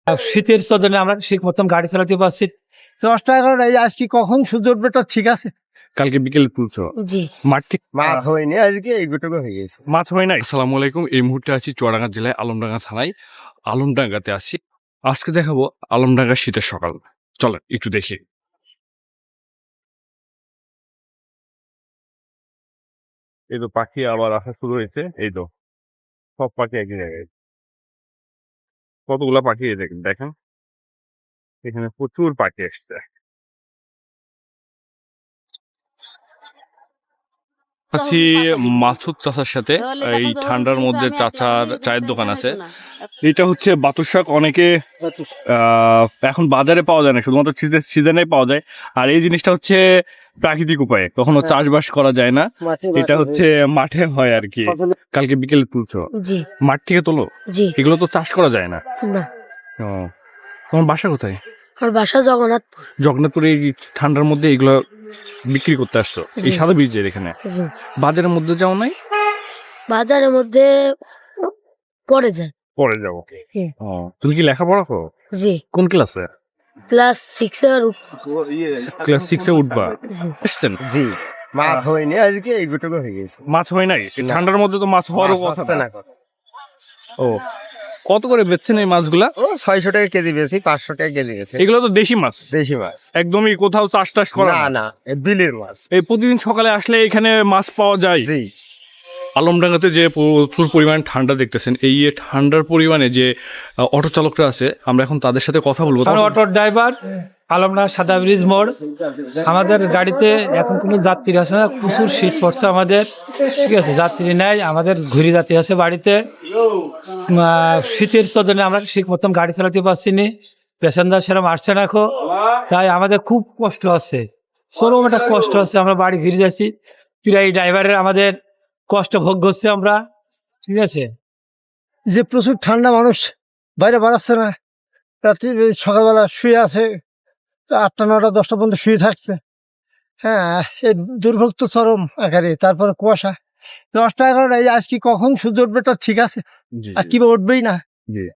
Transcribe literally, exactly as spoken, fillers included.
শীতের সজনে আমরা ঠিক মতন গাড়ি চালাতে পারছি। দশটা এগারোটা এই আজকে কখন সূর্য উঠবে তো ঠিক আছে। কালকে বিকেলে তুলছো জি মাঠ ঠিক মাছ হয়নি আজকে এইটুকু হয়ে গেছে। মাছ হয় নাই। আসসালামু আলাইকুম। এই মুহূর্তে আছি চুয়াডাঙ্গা জেলায় আলমডাঙ্গা থানায়। আলমডাঙ্গাতে আছি। আজকে দেখাবো আলমডাঙ্গা শীতের সকাল। চলেন একটু দেখি। এই তো পাখি আবার আসা শুরু হয়েছে। এই তো সব পাখি একই জায়গায়। কতগুলা পাখি এই দেখেন দেখেন এখানে প্রচুর পাখি এসছে। আছি মাছুদ চাচার সাথে। এই ঠান্ডার মধ্যে চাচার চায়ের দোকান আছে। এটা হচ্ছে বাতুর শাক। অনেকে আহ, এখন বাজারে পাওয়া যায় না, শুধুমাত্র সিজনে পাওয়া যায়। আর এই জিনিসটা হচ্ছে প্রাকৃতিক উপায়ে, কখনো চাষবাস করা যায় না। এটা হচ্ছে মাঠে হয় আর কি। কালকে বিকেলে তুলছো জি মাঠ থেকে তোলো? জি এগুলো তো চাষ করা যায় না। না, ও, তোমার বাসা কোথায়? আমার বাসা জগন্নাথপুর। জগন্নাথপুরে এই ঠান্ডার মধ্যে এগুলো বিক্রি করতে আসছো এই জি। সাদা বীজের এখানে? জি বাজারের মধ্যে যাও নাই? বাজারের মধ্যে পড়ে যায়। পরে যাবো। জি। ও, তুমি কি লেখাপড়া করো? জি কোন ক্লাসে? ক্লাস সিক্স এর ক্লাস সিক্সে উঠবা। জি এসছেন? জি মাছ হয়নি আজকে এইটুকু হয়ে গেছে। মাছ হয় নাই? এই না। ঠান্ডার মধ্যে তো মাছ হওয়ারও মাছ কথা হচ্ছে না। না। ও, কত করে বেচছেন এই মাছগুলা? ও ছয়শো টাকা কেজি বেশি, পাঁচশো টাকা কেজি গেছে। এগুলো তো দেশি মাছ, দেশি মাছ একদমই কোথাও চাষ টাস করা না না। না এ বিলের মাছ। এই প্রতিদিন সকালে আসলে এখানে মাছ পাওয়া যায়। জি আলমডাঙ্গাতে যে প্রচুর পরিমাণ ঠান্ডা দেখতেছেন, এই যে ঠান্ডার পরিমাণে যে আহ, অটো চালকরা আছে, আমরা এখন তাদের সাথে কথা বলবো। আমি অটো ড্রাইভার, আলমডাঙ্গা সাদা ব্রিজ মোড়। আমাদের গাড়িতে এখন কোনো যাত্রী আছে না, প্রচুর শীত পড়ছে আমাদের, ঠিক আছে, যাত্রী নেই। আমাদের ঘুরি যাত্রী আছে বাড়িতে। আহ, শীতের সজনে আমরা ঠিক মতন গাড়ি চালাতে পারছি না, প্যাসেঞ্জার সেরকম আসছে না এখন। তাই আমাদের খুব কষ্ট আছে, চরম একটা কষ্ট আছে। আমরা বাড়ি ফিরে যাচ্ছি, ফিরে এই ড্রাইভারের আমাদের কষ্ট ভোগ করছি আমরা, ঠিক আছে। যে প্রচুর ঠান্ডা, মানুষ বাইরে বাড়াচ্ছে না। রাত্রি সকালবেলা শুয়ে আছে, আটটা নটা দশটা পর্যন্ত শুয়ে থাকছে। হ্যাঁ, এই দুর্ভোগ তো চরম আকারে। তারপরে কুয়াশা। দশটা এগারোটা এই আজকে কখন সূর্য উঠবে তো ঠিক আছে, জি, আর কিভাবে উঠবেই না। জি।